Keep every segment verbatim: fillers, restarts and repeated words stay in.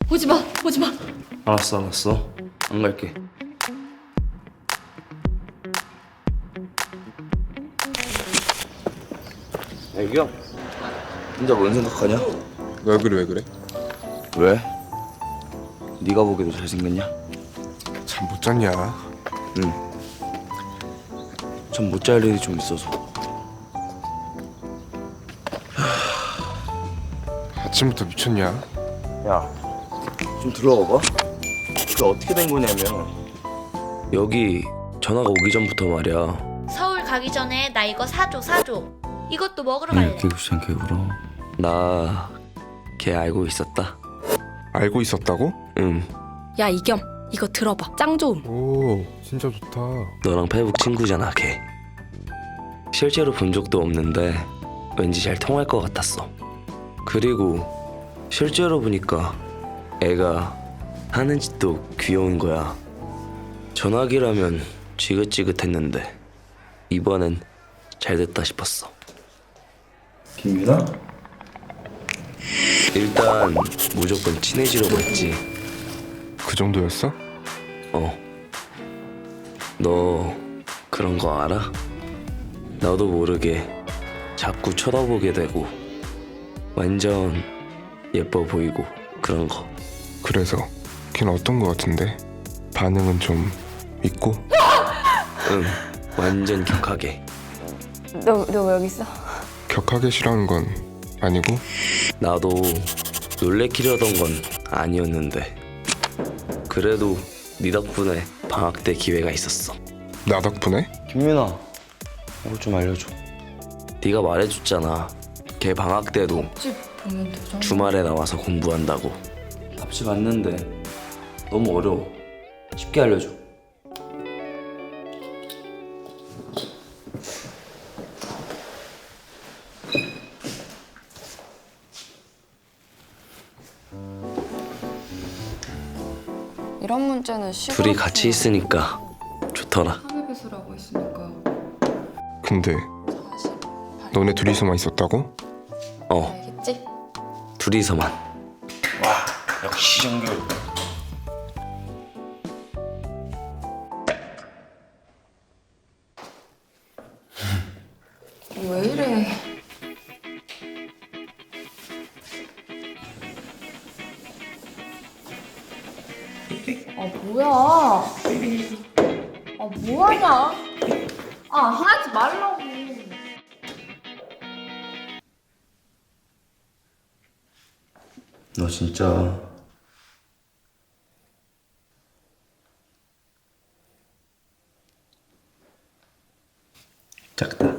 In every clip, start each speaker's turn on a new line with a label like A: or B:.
A: 오지 마, 오지 마.
B: 알았어 알았어 안 갈게. 애기야 혼자 뭔 생각하냐?
C: 왜 그래 왜 그래?
B: 왜? 네가 보기에도 잘생겼냐?
C: 잠 못 잤냐?
B: 응. 전 못 잘 일이 좀 있어서.
C: 아침부터 미쳤냐?
B: 야, 좀 들어가 봐. 그게 어떻게 된 거냐면 여기 전화가 오기 전부터 말이야.
D: 서울 가기 전에 나 이거 사줘 사줘. 이것도 먹으러 갈래.
B: 이렇게 귀찮게 울어. 나 걔 알고 있었다.
C: 알고 있었다고?
B: 응.
A: 야, 이겸, 이거 들어봐. 짱 좋음.
C: 오 진짜 좋다.
B: 너랑 페북 친구잖아, 걔. 실제로 본 적도 없는데 왠지 잘 통할 것 같았어. 그리고 실제로 보니까 애가 하는 짓도 귀여운 거야. 전화기라면 지긋지긋했는데 이번엔 잘 됐다 싶었어. 김유나? 일단 무조건 친해지려고 했지.
C: 그 정도였어?
B: 어. 너 그런 거 알아? 나도 모르게 자꾸 쳐다보게 되고 완전 예뻐 보이고 그런 거.
C: 그래서 걔는 어떤 거 같은데? 반응은 좀 있고?
B: 응, 완전 격하게.
A: 너, 너 왜 여기 있어?
C: 격하게 싫어하는 건 아니고?
B: 나도 놀래키려던 건 아니었는데 그래도 네 덕분에 방학 때 기회가 있었어.
C: 나 덕분에?
B: 김민아, 이거 좀 알려줘. 네가 말해줬잖아. 걔 방학 때도
A: 집 보면 되잖아.
B: 주말에 나와서 공부한다고. 답지 맞는데 너무 어려워. 쉽게 알려줘.
A: 이런 문제는 시골
B: 둘이 같이 있으니까 좋더라.
A: 하늘배수라고 했으니까
C: 근데
A: 사실
C: 너네 둘이서만 있었다고?
B: 어,
A: 알겠지?
B: 둘이서만. 와, 역시 정규.
A: 왜 이래? 아 뭐야? 아 뭐하냐? 아 하지 말라고.
B: 너 진짜 작다.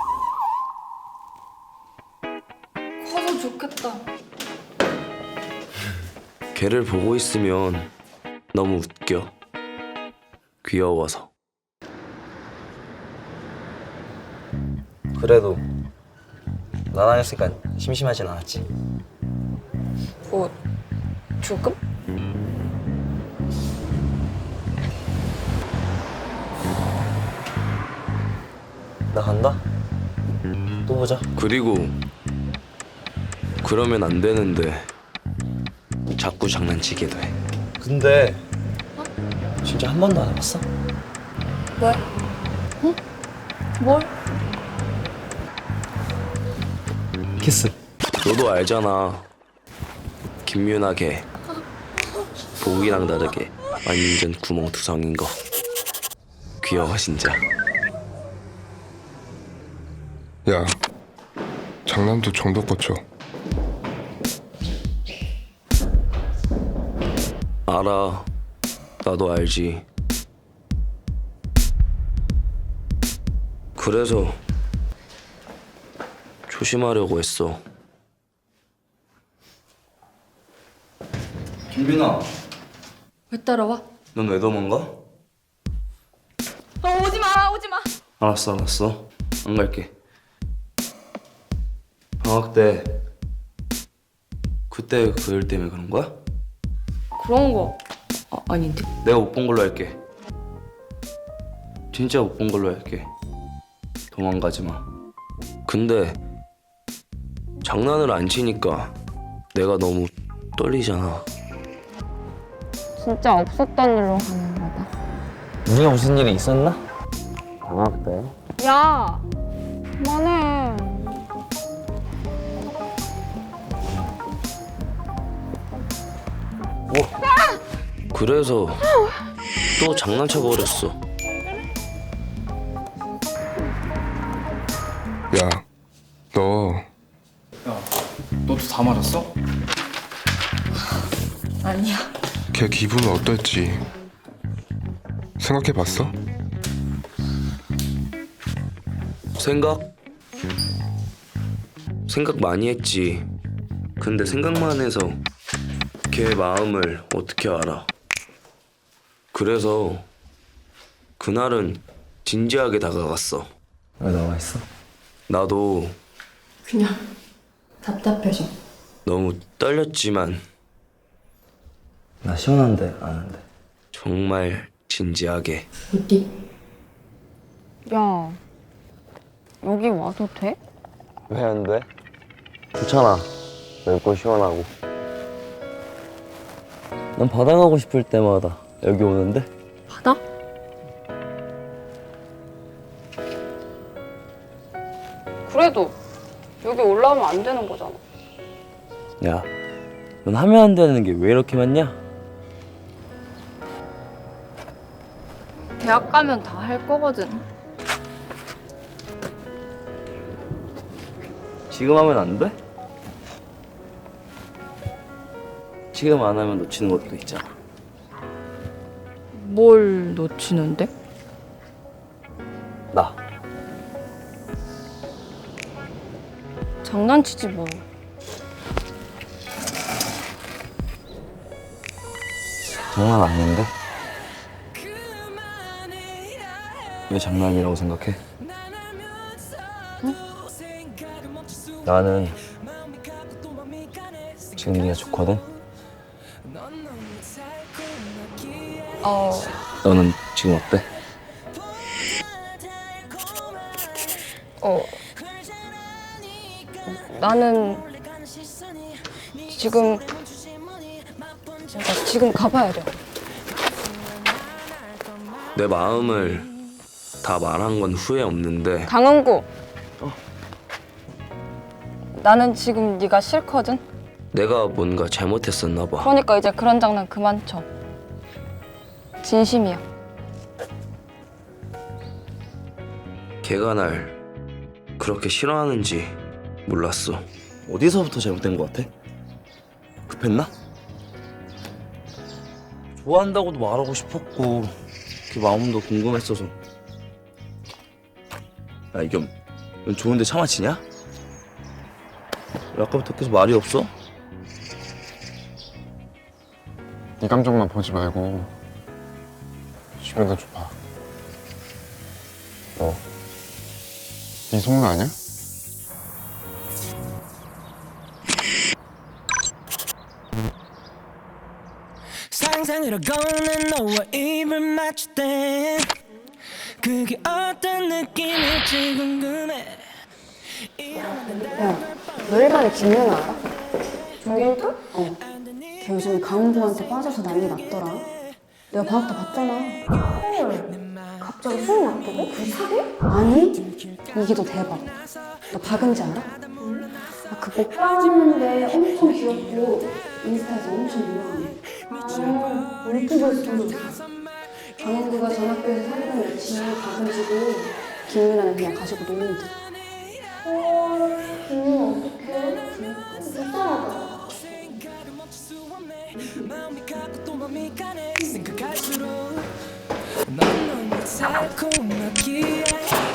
A: 커서 좋겠다.
B: 걔를 보고 있으면 너무 웃겨. 귀여워서. 그래도 나랑 했으니까 심심하진 않았지.
A: 뭐 조금?
B: 나 간다. 또 보자. 그리고 그러면 안 되는데 자꾸 장난치게 돼. 근데 진짜 한 번도 안 해봤어?
A: 왜? 응? 뭘?
B: 키스. 너도 알잖아. 김유나 걔 보기랑 다르게 완전 구멍투성인 거. 귀여워 진짜.
C: 야 장난도 정도껏 쳐.
B: 알아. 나도 알지. 그래서 조심하려고 했어. 김빈아,
A: 왜 따라와?
B: 넌 왜 도망가?
A: 어 오지 마, 오지 마.
B: 알았어, 알았어. 안 갈게. 방학 때 그때 그 일 때문에 그런 거야?
A: 그런 거 아, 아닌데?
B: 내가 못 본 걸로 할게. 진짜 못 본 걸로 할게. 도망가지 마. 근데 장난을 안 치니까 내가 너무 떨리잖아.
E: 진짜 없었던 일로 가는 거다.
B: 우리가 무슨 일이 있었나? 방학 때.
E: 야, 그만해.
B: 그래서 또 장난쳐 버렸어.
C: 야, 너
F: 야, 너도 다 맞았어?
A: 아니야.
C: 걔 기분은 어떨지 생각해봤어?
B: 생각? 생각 많이 했지. 근데 생각만 해서 걔 마음을 어떻게 알아? 그래서 그날은 진지하게 다가갔어.
G: 왜 나와 있어?
B: 나도
A: 그냥 답답해서.
B: 너무 떨렸지만
G: 나 시원한데 아는데.
B: 정말 진지하게.
A: 어디?
E: 야, 여기 와도 돼?
B: 왜 안 돼? 좋잖아. 넓고 시원하고.
G: 난 바다 가고 싶을 때마다 여기 오는데.
E: 바다? 그래도 여기 올라오면 안 되는 거잖아.
G: 야, 넌 하면 안 되는 게 왜 이렇게 많냐?
E: 대학 가면 다 할 거거든.
G: 지금 하면 안 돼? 지금 안 하면 놓치는 것도 있잖아.
E: 뭘 놓치는데?
G: 나.
E: 장난치지 뭐.
G: 장난 아닌데? 왜 장난이라고 생각해? 나는 지금 네가 좋거든?
E: 어,
G: 너는 지금 어때?
E: 어. 나는 지금 나 지금 가봐야 돼.
B: 내 마음을 다 말한 건 후회 없는데
E: 강은구. 나는 지금 네가 싫거든.
B: 내가 뭔가 잘못했었나 봐.
E: 그러니까 이제 그런 장난 그만 쳐. 진심이야.
B: 걔가 날 그렇게 싫어하는지 몰랐어.
G: 어디서부터 잘못된 것 같아? 급했나? 좋아한다고도 말하고 싶었고 그 마음도 궁금했어서. 야, 이겸, 넌 좋은데 참아치냐? 왜 아까부터 계속 말이 없어?
C: 네 감정만 보지 말고 주변도 좀 봐. 너, 네 속는 아니야?
H: 상상으로 걷는 너와 입을 맞출 때 그게 어떤 느낌일지 궁금해.
I: 야, 너 일반에 김연아 알아? 조경태? 어. 걔 요즘에 강은구한테 빠져서 난리 났더라. 내가 방학 때 봤잖아. 헐. 갑자기 수능 앞두고? 그 사기? 아니, 이게 더 대박. 너 박은지 알아? 아, 그 먹방하는데 엄청 귀엽고 인스타에서 엄청 유명해. 아, 유튜브에서 본 적 있어. 강은구가 전 학교에서 사귀던 여친이 박은지고 김연아는 그냥 가지고 노는 듯. 헐, 김연아 어떡해? 불쌍하다.
H: 마음이 가고 또 마음이 가네. 생각할수록 넌 너무 달콤하기에